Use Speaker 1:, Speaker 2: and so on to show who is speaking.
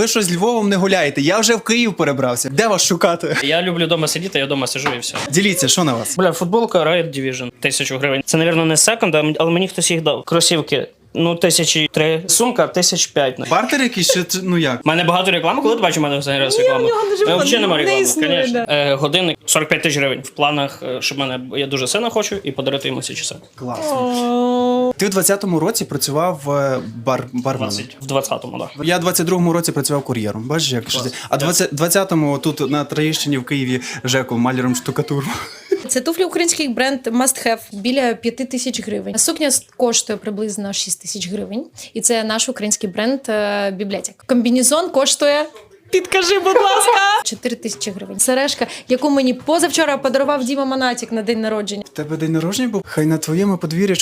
Speaker 1: Ви що з Львовом не гуляєте? Я вже в Київ перебрався. Де вас шукати?
Speaker 2: Я люблю вдома сидіти, я вдома сижу і все.
Speaker 1: Діліться, що на вас?
Speaker 2: Бля, футболка Riot Division. 1000 гривень. Це, мабуть, не секонд, але мені хтось їх дав. Кросівки. 1003. Сумка 1005.
Speaker 1: Бартер якийсь, чи ну як?
Speaker 2: У мене багато реклами, коли ти бачиш, у мене взагалі раз реклама. Взагалі немає реклами,
Speaker 3: існує,
Speaker 2: звісно. Годинник 45 тисяч гривень. В планах, щоб я дуже сильно хочу, і подарити йому ці часи.
Speaker 1: Класно. Ти в 20-му році працював барменом.
Speaker 2: В 20-му, так.
Speaker 1: Я в 22-му році працював кур'єром. Бачиш, як ж. А 20-му тут на Троєщині в Києві Жеку маляром штукатуру.
Speaker 3: Це туфлі український бренд Must Have біля 5000 гривень. Сукня коштує приблизно 6000 гривень. І це наш український бренд Бібліотек. Комбінезон коштує... Підкажи, будь ласка! 4000 гривень. Сережка, яку мені позавчора подарував Діма Монатік на день народження.
Speaker 1: В тебе день народження був? Хай на твоєму подвір'ї